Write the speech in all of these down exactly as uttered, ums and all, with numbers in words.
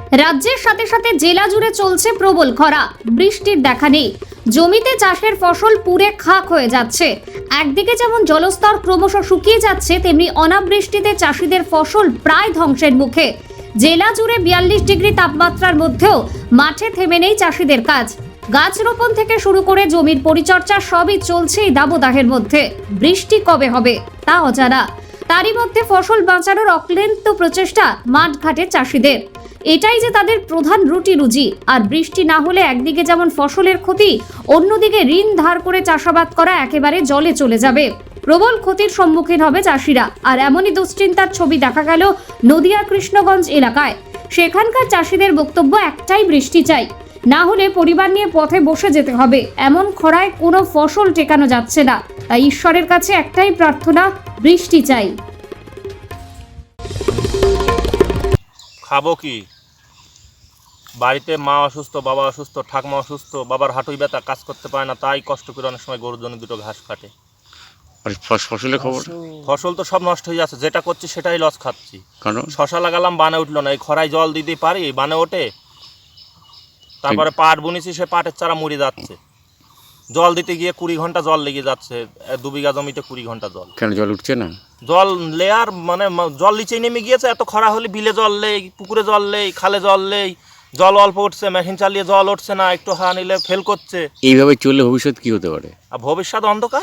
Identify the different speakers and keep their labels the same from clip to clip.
Speaker 1: রাজ্যের সাথে সাথে জেলা জুড়ে চলছে প্রবল খরা। বৃষ্টির দেখা নেই, জমিতে চাষের ফসল পুড়ে খাক হয়ে যাচ্ছে। একদিকে যেমন জলস্তর ক্রমশ শুকিয়ে যাচ্ছে, তেমনি অনাবৃষ্টিতে চাষিদের ফসল প্রায় ধ্বংসের মুখে। জেলা জুড়ে বিয়াল্লিশ ডিগ্রি তাপমাত্রার মধ্যেও মাঠে থেমে নেই চাষিদের কাজ। গাছ রোপণ থেকে শুরু করে জমির পরিচর্যা সবই চলছে এই দাবদাহের মধ্যে। বৃষ্টি কবে হবে তা অজানা। তারই মধ্যে ফসল বাঁচানোর অক্লান্ত প্রচেষ্টা মাঠঘাটে চাষিদের। এটাই যে তাদের প্রধান রুটি রুজি। আর বৃষ্টি না হলে একদিকে যেমন ফসলের ক্ষতি, অন্যদিকে ঋণ ধার করে চাষাবাদ করা একেবারে জলে চলে যাবে। প্রবল ক্ষতির সম্মুখীন হবে চাষিরা। আর এমনই দুশ্চিন্তার ছবি দেখা গেল নদিয়া কৃষ্ণগঞ্জ এলাকায়। সেখানকার চাষিদের বক্তব্য একটাই, বৃষ্টি চাই, না হলে পরিবার নিয়ে পথে বসে যেতে হবে। এমন খরায় কোনো ফসল টেকানো যাচ্ছে না। তাই ঈশ্বরের কাছে একটাই প্রার্থনা, বৃষ্টি চাই।
Speaker 2: খাবো কি? বাড়িতে মা অসুস্থ, বাবা অসুস্থ, ঠাকমা অসুস্থ, বাবার হাঁটুই ব্যথা, কাজ করতে পারে না, তাই কষ্ট করে অনেক সময় গরুর জন্য দুটো ঘাস কাটে।
Speaker 3: আর ফসলের খবর?
Speaker 2: ফসল তো সব নষ্ট হয়ে যাচ্ছে, যেটা করছি সেটাই লস খাচ্ছি।
Speaker 3: কারণ
Speaker 2: শশা লাগালাম, বানে উঠলো না। এই খরায় জল দিতে পারি, বানে ওঠে। তারপরে পাট বুনেছি, সে পাটের চারা মরে যাচ্ছে। জল দিতে গিয়ে কুড়ি ঘন্টা জল লেগে যাচ্ছে। দু বিঘা জমিতে কুড়ি ঘন্টা জল।
Speaker 3: কেন জল উঠছে না?
Speaker 2: জল লেয়ার মানে জল নিচেই নেমে গিয়েছে। এত খরা হলে বিলে জল নেই, পুকুরে জল নেই, খালে জল নেই, জল অল্প উঠছে, মেশিন চালিয়ে জল উঠছে না, একটু হাওয়া নিলে ফেল করছে।
Speaker 3: এইভাবে চললে ভবিষ্যৎ কি হতে পারে?
Speaker 2: আর ভবিষ্যৎ অন্ধকার।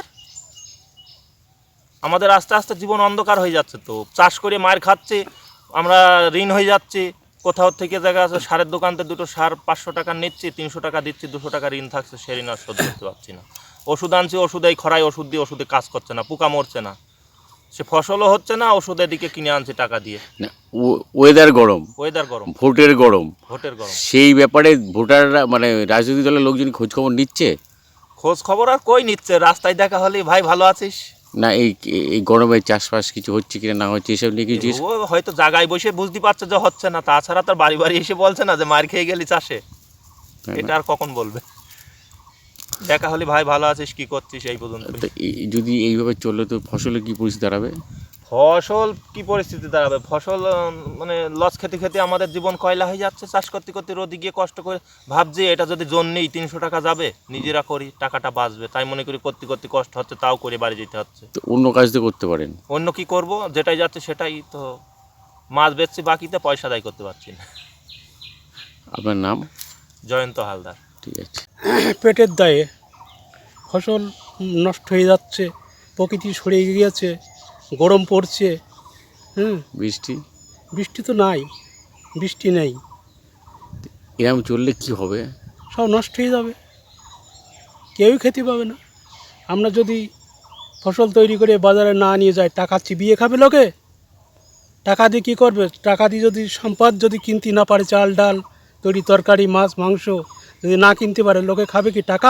Speaker 2: আমাদের আস্তে আস্তে জীবন অন্ধকার হয়ে যাচ্ছে। তো চাষ করে মার খাচ্ছে, আমরা ঋণ হয়ে যাচ্ছি। কোথাও থেকে জায়গা আছে, সারের দোকানতে দুটো সার পাঁচশো টাকা নিচ্ছি, তিনশো টাকা দিচ্ছি, দুশো টাকা ঋণ থাকছে, সে ঋণ আর শোধ করতে পারছি না। ওষুধ আনছি, ওষুধ এই খরায় ওষুধ দিয়ে ওষুধে কাজ করছে না, পোকা মরছে না, সে ফসলও হচ্ছে না। ওষুধের দিকে কিনে আনছি টাকা দিয়ে।
Speaker 3: ওয়েদার গরম,
Speaker 2: ওয়েদার গরম,
Speaker 3: ভোটের গরম,
Speaker 2: ভোটের গরম।
Speaker 3: সেই ব্যাপারে ভোটাররা মানে রাজনৈতিক দলের লোকজন খোঁজ খবর নিচ্ছে?
Speaker 2: খোঁজ খবর আর কই নিচ্ছে? রাস্তায় দেখা হলে ভাই ভালো আছিস
Speaker 3: না, এই এই গরমে চাষবাস কিছু হচ্ছে কিনা না হচ্ছে এসব নিয়ে কিছু?
Speaker 2: ও হয়তো জায়গায় বসে বুঝতে পারছে যে হচ্ছে না, তাছাড়া তার বাড়ি বাড়ি এসে বলছে না যে মার খেয়ে গেলি চাষে। এটা আর কখন বলবে? দেখা হলে ভাই ভালো আছিস, কি করছিস, এই পর্যন্ত।
Speaker 3: যদি এইভাবে চললে তো ফসলের কি পরিস্থিতি দাঁড়াবে?
Speaker 2: ফসল কি পরিস্থিতি দাঁড়াবে? ফসল মানে লস খেতে খেতে আমাদের জীবন কয়লা হয়ে যাচ্ছে। চাষ করতে করতে রোদে গিয়ে কষ্ট করে ভাবছি এটা যদি জন নেই তিনশো টাকা যাবে, নিজেরা করি টাকাটা বাঁচবে, তাই মনে করি করতে করতে কষ্ট হচ্ছে, তাও করে বাড়ি যেতে হচ্ছে।
Speaker 3: তো অন্য কাজ তো করতে পারেন।
Speaker 2: অন্য কি করব? যেটাই যাচ্ছে সেটাই তো। মাছ বেচছি, বাকিতে পয়সা দায় করতে পারছি না।
Speaker 3: আপনার নাম?
Speaker 2: জয়ন্ত হালদার।
Speaker 3: ঠিক আছে।
Speaker 4: পেটের দায়ে ফসল নষ্ট হয়ে যাচ্ছে, প্রকৃতি সরে গিয়েছে, গরম পড়ছে। হুম,
Speaker 3: বৃষ্টি
Speaker 4: বৃষ্টি তো নাই, বৃষ্টি নেই।
Speaker 3: এরকম চললে কি হবে?
Speaker 4: সব নষ্ট হয়ে যাবে, কেউই খেতে পাবে না। আমরা যদি ফসল তৈরি করে বাজারে না নিয়ে যাই, টাকা চিবিয়ে খাবে লোকে। টাকা দিয়ে কী করবে? টাকা দিয়ে যদি সম্পদ যদি কিনতে না পারে, চাল ডাল তৈরি তরকারি, মাছ মাংস যদি না কিনতে পারে, লোকে খাবে কি টাকা?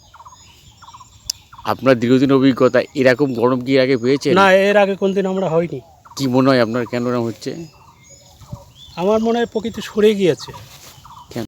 Speaker 3: আপনার দীর্ঘদিন অভিজ্ঞতা, এরকম গরম কি এর আগে পেয়েছে?
Speaker 4: না, এর আগে কোনদিন আমরা হয়নি।
Speaker 3: কি মনে হয় আপনার, কেন এরকম হচ্ছে?
Speaker 4: আমার মনে হয় প্রকৃতি সরে গিয়েছে।